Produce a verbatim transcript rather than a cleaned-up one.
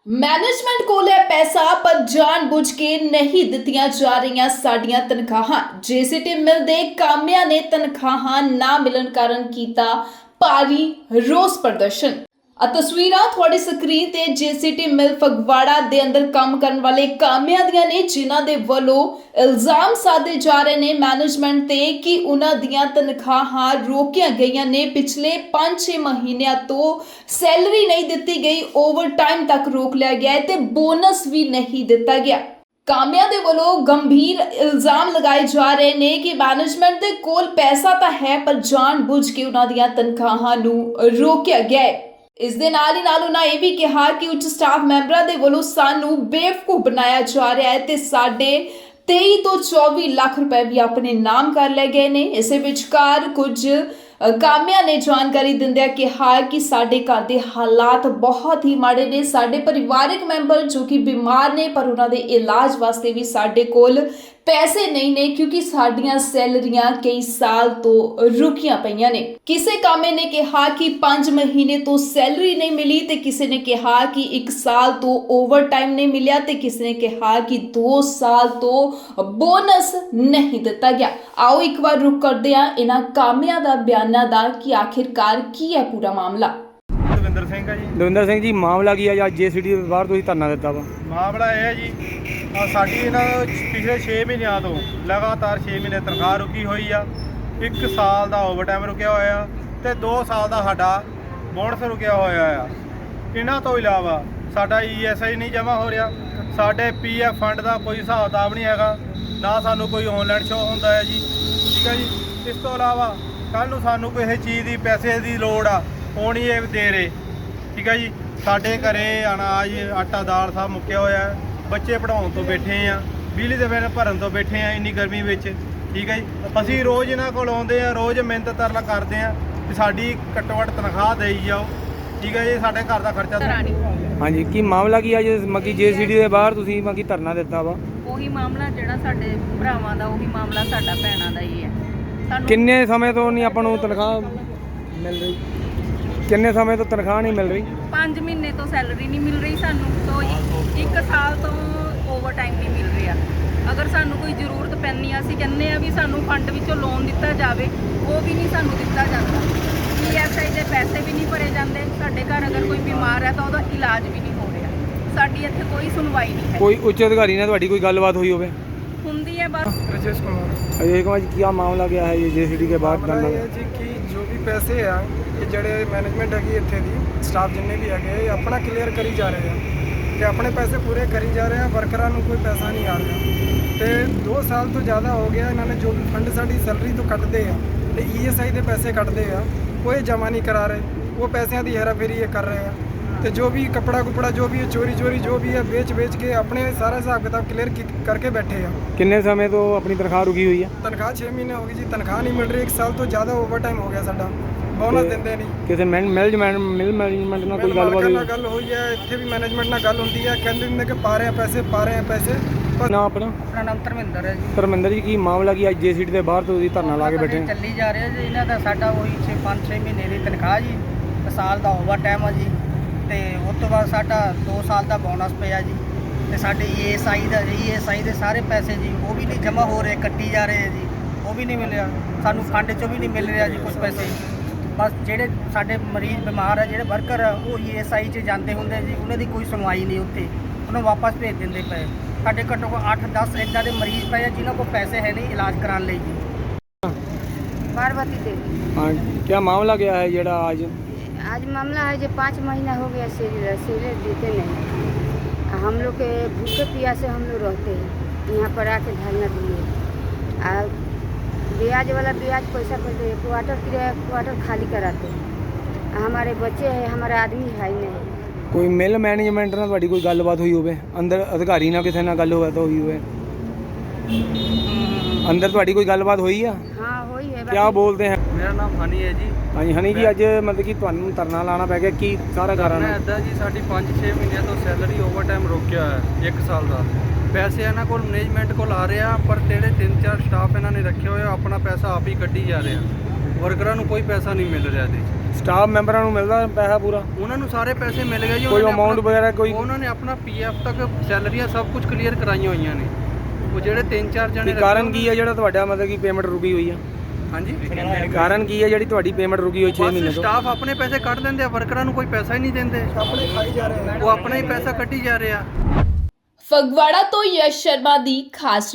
Management कोल है पैसा पर जानबूझ के नहीं दित्तियां जा रही साडियां तनखाहां। जेसीटी मिल दे कामियां ने तनखाहां ना मिलन कारण कीता भारी रोस प्रदर्शन। आ तस्वीरां थोड़ी स्क्रीन ते जेसीटी मिल फगवाड़ा दे अंदर काम करन वाले कामियां दियां ने, जिन्हां दे वल्लों इल्जाम साधे जा रहे ने मैनेजमेंट ते कि उन्हां दियां तनखाहां रोकियां गईयां ने। पिछले पांच छे महीनों तो सैलरी नहीं दित्ती गई, ओवर टाइम तक रोक लिया गया है ते बोनस भी नहीं दिता गया। कामियां दे वल्लों गंभीर इल्जाम लगाए जा रहे ने कि मैनेजमेंट दे कोल पैसा तां है पर जानबूझ के उन्हां दियां तनखाहां नूं रोकिया गया है। इस दे नाल ही नाल उन्हां ये भी कहा कि उच्च स्टाफ मैंबरां दे वल्लों सानू बेवकूफ बनाया जा रहा है ते साडे तेई तो चौबी लाख रुपए भी अपने नाम कर ले गए ने। इस विचकार कुछ कामियां ने जानकारी दिंदियां कहा कि साडे घर दे हालात बहुत ही माड़े ने, साडे परिवारिक मैंबर जो कि बीमार ने पर उन्हां दे इलाज वास्ते भी साडे कोल पैसे नहीं ने, क्योंकि साडियां सैलरियां कई साल तो रुकियां पईयां ने। किसे कामे ने कहा कि पांच महीने तो सैलरी नहीं मिली ते किसी ने कहा कि एक साल तो ओवर टाइम नहीं मिलिया ते किसी ने कहा कि दो साल तो बोनस नहीं दिता गया। आओ एक बार रुक करदे आ इन्हां कामियां दा बयाना दा कि आखिरकार की है पूरा मामला। ਦਵਿੰਦਰ ਸਿੰਘ ਹੈ ਜੀ। ਦਵਿੰਦਰ ਸਿੰਘ ਜੀ, ਮਾਮਲਾ ਕੀ ਹੈ? ਅੱਜ ਜੇਸੀਡੀ ਦੇ ਬਾਹਰ ਤੁਸੀਂ ਧਰਨਾ ਦਿੱਤਾ ਵਾ। ਮਾਮਲਾ ਇਹ ਹੈ ਜੀ, ਆਹ ਸਾਡੀ ਇਹਨਾਂ ਪਿਛਲੇ ਛੇ ਮਹੀਨਿਆਂ ਤੋਂ ਲਗਾਤਾਰ ਛੇ ਮਹੀਨੇ ਤਨਖਾਹ ਰੁਕੀ ਹੋਈ ਆ, ਇੱਕ ਸਾਲ ਦਾ ਓਵਰਟਾਈਮ ਰੁਕਿਆ ਹੋਇਆ ਤੇ ਦੋ ਸਾਲ ਦਾ ਸਾਡਾ ਬੋਨਸ ਰੁਕਿਆ ਹੋਇਆ ਆ। ਇਹਨਾਂ ਤੋਂ ਇਲਾਵਾ ਸਾਡਾ ਈਐਸਆਈ ਨਹੀਂ ਜਮ੍ਹਾਂ ਹੋ ਰਿਹਾ, ਸਾਡੇ ਪੀਐਫ ਫੰਡ ਦਾ ਕੋਈ ਹਿਸਾਬ ਕਿਤਾਬ ਨਹੀਂ ਹੈਗਾ, ਨਾ ਸਾਨੂੰ ਕੋਈ ਆਨਲਾਈਨ ਸ਼ੋ ਹੁੰਦਾ ਹੈ ਜੀ। ਠੀਕ ਹੈ ਜੀ। ਇਸ ਤੋਂ ਇਲਾਵਾ ਕੱਲ੍ਹ ਨੂੰ ਸਾਨੂੰ ਕਿਸੇ ਚੀਜ਼ ਦੀ ਪੈਸੇ ਦੀ ਲੋੜ ਆ, ਉਹ ਨਹੀਂ ਇਹ ਦੇ ਰਹੇ। ਠੀਕ ਹੈ ਜੀ। ਸਾਡੇ ਘਰੇ ਅਨਾਜ ਆਟਾ ਦਾਲ ਸਭ ਮੁੱਕਿਆ ਹੋਇਆ ਹੈ, ਬੱਚੇ ਪੜ੍ਹਾਉਣ ਤੋਂ ਬੈਠੇ ਆ, ਬਿਜਲੀ ਦੇ ਬਿੱਲ ਭਰਨ ਤੋਂ ਬੈਠੇ ਆ ਇੰਨੀ ਗਰਮੀ ਵਿੱਚ। ਠੀਕ ਹੈ ਜੀ। ਅਸੀਂ ਰੋਜ਼ ਇਹਨਾਂ ਕੋਲ ਆਉਂਦੇ ਆ, ਰੋਜ਼ ਮਿਹਨਤ ਤਰਲਾ ਕਰਦੇ ਆ ਕਿ ਸਾਡੀ ਘੱਟੋ ਘੱਟ ਤਨਖਾਹ ਦੇਈ ਜਾਓ। ਠੀਕ ਹੈ ਜੀ। ਸਾਡੇ ਘਰ ਦਾ ਖਰਚਾ। ਹਾਂਜੀ, ਕੀ ਮਾਮਲਾ ਕੀ ਅੱਜ ਮੱਕੀ ਜੇਸੀਡੀ ਦੇ ਬਾਹਰ ਤੁਸੀਂ ਮੱਕੀ ਧਰਨਾ ਦਿੱਤਾ ਵਾ? ਉਹੀ ਮਾਮਲਾ ਜਿਹੜਾ ਸਾਡੇ ਭਰਾਵਾਂ ਦਾ, ਉਹੀ ਮਾਮਲਾ ਸਾਡਾ ਭੈਣਾਂ ਦਾ ਹੀ ਹੈ। ਸਾਨੂੰ ਕਿੰਨੇ ਸਮੇਂ ਤੋਂ ਨਹੀਂ ਆਪਾਂ ਨੂੰ ਤਨਖਾਹ ਮਿਲ ਰਹੀ? ਕਿੰਨੇ ਸਮੇਂ ਤੋਂ ਤਨਖਾਹ ਨਹੀਂ ਮਿਲ ਰਹੀ? ਪੰਜ ਮਹੀਨੇ ਤੋਂ ਸੈਲਰੀ ਨਹੀਂ ਮਿਲ ਰਹੀ ਸਾਨੂੰ, ਤੋਂ ਇੱਕ- ਇੱਕ ਸਾਲ ਤੋਂ ਓਵਰ ਟਾਈਮ ਨਹੀਂ ਮਿਲ ਰਿਹਾ। ਅਗਰ ਸਾਨੂੰ ਕੋਈ ਜ਼ਰੂਰਤ ਪੈਂਦੀ ਆ, ਅਸੀਂ ਕਹਿੰਦੇ ਆ ਵੀ ਸਾਨੂੰ ਫੰਡ ਵਿੱਚੋਂ ਲੋਨ ਦਿੱਤਾ ਜਾਵੇ, ਉਹ ਵੀ ਨਹੀਂ ਸਾਨੂੰ ਦਿੱਤਾ ਜਾਂਦਾ। ਈਐਸਆਈ ਦੇ ਪੈਸੇ ਵੀ ਨਹੀਂ ਭਰੇ ਜਾਂਦੇ। ਸਾਡੇ ਘਰ ਅਗਰ ਕੋਈ ਬਿਮਾਰ ਹੈ ਤਾਂ ਉਹਦਾ ਇਲਾਜ ਵੀ ਨਹੀਂ ਹੋ ਰਿਹਾ। ਸਾਡੀ ਇੱਥੇ ਕੋਈ ਸੁਣਵਾਈ ਨਹੀਂ ਹੈ। ਕੋਈ ਉੱਚ ਅਧਿਕਾਰੀ ਨਾਲ ਤੁਹਾਡੀ ਕੋਈ ਗੱਲਬਾਤ ਹੋਈ ਹੋਵੇ? ਹੁੰਦੀ ਹੈ ਬਸ। राजेश कुमार। अजय कुमार जी, क्या मामला क्या है ये जेसीडी के बाहर ਮਾਮਲਾ धरना? ਇਹ ਹੈ ਜੀ ਕਿ ਜੋ ਵੀ ਪੈਸੇ ਆ, ਇਹ ਜਿਹੜੇ ਮੈਨੇਜਮੈਂਟ ਹੈਗੀ ਇੱਥੇ ਦੀ, ਸਟਾਫ ਜਿੰਨੇ ਵੀ ਹੈਗੇ, ਇਹ ਆਪਣਾ ਕਲੀਅਰ ਕਰੀ ਜਾ ਰਹੇ ਆ ਤੇ ਆਪਣੇ ਪੈਸੇ ਪੂਰੇ ਕਰੀ ਜਾ ਰਹੇ ਆ। ਵਰਕਰਾਂ ਨੂੰ ਕੋਈ ਪੈਸਾ ਨਹੀਂ ਆ ਰਿਹਾ ਤੇ ਦੋ ਸਾਲ ਤੋਂ ਜ਼ਿਆਦਾ ਹੋ ਗਿਆ ਇਹਨਾਂ ਨੇ ਜੋ ਵੀ ਫੰਡ ਸਾਡੀ ਸੈਲਰੀ ਤੋਂ ਕੱਟਦੇ ਆ ਤੇ ਈਐਸਆਈ ਦੇ ਪੈਸੇ ਕੱਟਦੇ ਆ, ਉਹ ਇਹ ਜਮ੍ਹਾਂ ਨਹੀਂ ਕਰਾ ਰਹੇ। ਉਹ ਪੈਸਿਆਂ ਦੀ ਹੇਰਾਫੇਰੀ ਇਹ ਕਰ ਰਹੇ ਆ ਤੇ ਜੋ ਵੀ ਕਪੜਾ ਕੁਪੜਾ ਜੋ ਵੀ ਚੋਰੀ ਚੋਰੀ ਜੋ ਵੀ ਹੈ ਵੇਚ ਵੇਚ ਕੇ ਆਪਣੇ ਸਾਰਾ ਹਿਸਾਬ ਕਿਤਾਬ ਕਲੀਅਰ ਕਰਕੇ ਬੈਠੇ ਆ। ਕਿੰਨੇ ਸਮੇਂ ਤੋਂ ਆਪਣੀ ਤਨਖਾਹ ਰੁਕੀ ਹੋਈ ਹੈ? ਤਨਖਾਹ ਛੇ ਮਹੀਨੇ ਹੋ ਗਈ ਜੀ, ਤਨਖਾਹ ਨਹੀਂ ਮਿਲ ਰਹੀ। ਇੱਕ ਸਾਲ ਤੋਂ ਜ਼ਿਆਦਾ ਓਵਰ ਟਾਈਮ ਹੋ ਗਿਆ ਸਾਡਾ, ਬੋਨਸ ਦਿੰਦੇ ਨਹੀਂ। ਕਿਸੇ ਮੈਨੇਜਮੈਂਟ ਮਿਲ ਮੈਨੇਜਮੈਂਟ ਨਾਲ ਕੋਈ ਗੱਲਬਾਤ ਮਾਲਕਾਂ ਨਾਲ ਹੋਈ? ਗੱਲ ਹੋਈ ਹੈ, ਇੱਥੇ ਵੀ ਮੈਨੇਜਮੈਂਟ ਨਾਲ ਗੱਲ ਹੁੰਦੀ ਹੈ, ਕਹਿੰਦੇ ਨੇ ਕਿ ਪਾ ਰਹੇ ਆ ਪੈਸੇ ਪਾ ਰਹੇ ਆ ਪੈਸੇ ਪਰ ਨਾ ਆਪਣਾ ਆਪਣਾ ਨਾਮ ਧਰਮਿੰਦਰ ਹੈ ਜੀ। ਧਰਮਿੰਦਰ ਜੀ, ਕੀ ਮਾਮਲਾ ਕੀ ਅੱਜ ਜੇਸੀਡੀ ਦੇ ਬਾਹਰ ਤੁਸੀਂ ਧਰਨਾ ਲਾ ਕੇ ਬੈਠੇ ਹੋ? ਚੱਲੀ ਜਾ ਰਿਹਾ ਜੀ। ਇਹਨਾਂ ਦਾ ਸਾਡਾ ਉਹੀ ਛੇ ਪੰਜ ਛੇ ਮਹੀਨੇ ਦੀ ਤਨਖਾਹ ਜੀ, ਸਾਲ ਦਾ ਓਵਰ ਟਾਈਮ ਆ ਜੀ, ਤੇ ਉਸ ਤੋਂ ਬਾਅਦ ਸਾਡਾ ਦੋ ਸਾਲ ਦਾ ਬੋਨਸ ਪਿਆ ਜੀ, ਤੇ ਸਾਡੇ ਈਐਸਆਈ ਦਾ ਈਐਸਆਈ ਦੇ ਸਾਰੇ ਪੈਸੇ ਜੀ ਉਹ ਵੀ ਨਹੀਂ ਜਮ੍ਹਾਂ ਹੋ ਰਹੇ, ਕੱਟੀ ਜਾ ਰਹੇ ਜੀ, ਉਹ ਵੀ ਨਹੀਂ ਮਿਲਿਆ ਸਾਨੂੰ। ਫੰਡ 'ਚੋਂ ਵੀ ਨਹੀਂ ਮਿਲ ਰਿਹਾ ਜੀ ਕੁਝ ਪੈਸੇ। ਬਸ ਜਿਹੜੇ ਸਾਡੇ ਮਰੀਜ਼ ਬਿਮਾਰ ਆ, ਜਿਹੜੇ ਵਰਕਰ ਆ, ਉਹ ਈਐਸਆਈ 'ਚ ਜਾਂਦੇ ਹੁੰਦੇ ਜੀ, ਉਹਨਾਂ ਦੀ ਕੋਈ ਸੁਣਵਾਈ ਨਹੀਂ ਉੱਥੇ, ਉਹਨੂੰ ਵਾਪਸ ਭੇਜ ਦਿੰਦੇ ਪਏ। ਸਾਡੇ ਘੱਟੋ ਘੱਟ ਅੱਠ ਦਸ ਇੱਦਾਂ ਦੇ ਮਰੀਜ਼ ਪਏ ਆ ਜਿਨ੍ਹਾਂ ਕੋਲ ਪੈਸੇ ਹੈ ਨਹੀਂ ਇਲਾਜ ਕਰਾਉਣ ਲਈ ਜੀ। पार्वती देवी। हाँ, क्या मामला क्या है जेड़ा आज? आज मामला है जो पाँच महीना हो गया सैलरी सैलरी देते नहीं। हम लोग के भूखे प्यासे हम लोग रहते हैं, यहाँ पर आके धरना दिए। और ब्याज वाला ब्याज पैसा करते हैं, क्वार्टर किराया क्वार्टर खाली कराते हैं। हमारे बच्चे हैं, हमारा आदमी है ही नहीं। ਕੋਈ ਮਿਲ ਮੈਨੇਜਮੈਂਟ ਨਾਲ ਤੁਹਾਡੀ ਕੋਈ ਗੱਲਬਾਤ ਹੋਈ ਹੋਵੇ? ਅੰਦਰ ਅਧਿਕਾਰੀ ਨਾਲ ਕਿਸੇ ਨਾਲ ਗੱਲ ਹੋਵੇ ਤਾਂ ਹੋਈ ਹੋਵੇ? ਅੰਦਰ ਤੁਹਾਡੀ ਕੋਈ ਗੱਲਬਾਤ ਹੋਈ ਆ? हाँ वही है। क्या बोलते हैं? ਮੇਰਾ ਨਾਮ ਹਨੀ ਹੈ ਜੀ। ਹਾਂਜੀ ਹਨੀ ਜੀ, ਅੱਜ ਮਤਲਬ ਕਿ ਤੁਹਾਨੂੰ ਧਰਨਾ ਲਾਣਾ ਪੈ ਗਿਆ, ਕੀ ਸਾਰਾ ਕਾਰਨ ਹੈ? ਇੱਦਾਂ ਜੀ, ਸਾਡੀ ਪੰਜ ਛੇ ਮਹੀਨਿਆਂ ਤੋਂ ਸੈਲਰੀ ਓਵਰ ਟਾਈਮ ਰੋਕਿਆ ਹੈ, ਇੱਕ ਸਾਲ ਦਾ। ਪੈਸੇ ਇਹਨਾਂ ਕੋਲ ਮੈਨੇਜਮੈਂਟ ਕੋਲ ਆ ਰਿਹਾ, ਪਰ ਜਿਹੜੇ ਤਿੰਨ ਚਾਰ ਸਟਾਫ ਇਹਨਾਂ ਨੇ ਰੱਖੇ ਹੋਏ ਆ, ਆਪਣਾ ਪੈਸਾ ਆਪ ਹੀ ਕੱਢੀ ਜਾ ਰਿਹਾ। ਵਰਕਰਾਂ ਨੂੰ ਕੋਈ ਪੈਸਾ ਨਹੀਂ ਮਿਲ ਰਿਹਾ ਜੀ। ਸਟਾਫ ਮੈਂਬਰਾਂ ਨੂੰ ਮਿਲਦਾ ਪੈਸਾ ਪੂਰਾ? ਉਹਨਾਂ ਨੂੰ ਸਾਰੇ ਪੈਸੇ ਮਿਲ ਗਏ ਜੀ। ਕੋਈ ਉਹਨਾਂ ਨੇ amount ਆਪਣਾ- ਵਗੈਰਾ ਕੋਈ? ਉਹਨਾਂ ਨੇ ਆਪਣਾ ਪੀਐਫ ਤੱਕ ਸੈਲਰੀਆਂ ਸਭ ਕੁਝ ਕਲੀਅਰ ਕਰਾਈਆਂ ਹੋਈਆਂ ਨੇ। ਉਹ ਜਿਹੜੇ ਤਿੰਨ ਚਾਰ ਜਣੇ ਕੀ ਕਾਰਨ ਕੀ ਹੈ ਜਿਹੜਾ ਤੁਹਾਡਾ ਮਤਲਬ ਕਿ ਪੇਮੈਂਟ ਰੁਕੀ ਹੋਈ ਆ? ਹਾਂਜੀ, ਕਾਰਨ ਕੀ ਹੈ ਜਿਹੜੀ ਤੁਹਾਡੀ ਪੇਮੈਂਟ ਰੁਕੀ ਹੋਈ ਛੇ ਮਹੀਨੇ ਤੋਂ? ਸਟਾਫ ਆਪਣੇ ਪੈਸੇ ਕੱਢ ਦਿੰਦੇ ਆ, ਵਰਕਰਾਂ ਨੂੰ ਕੋਈ ਪੈਸਾ ਹੀ ਨਹੀਂ ਦਿੰਦੇ। ਆਪਣੇ ਖਾਈ ਜਾ ਰਹੇ ਉਹ ਆਪਣਾ ਹੀ ਪੈਸਾ ਕੱਢੀ ਜਾ ਰਹੇ ਆ। ਫਗਵਾੜਾ ਤੋਂ ਯਸ਼ ਸ਼ਰਮਾ ਦੀ ਖਾਸ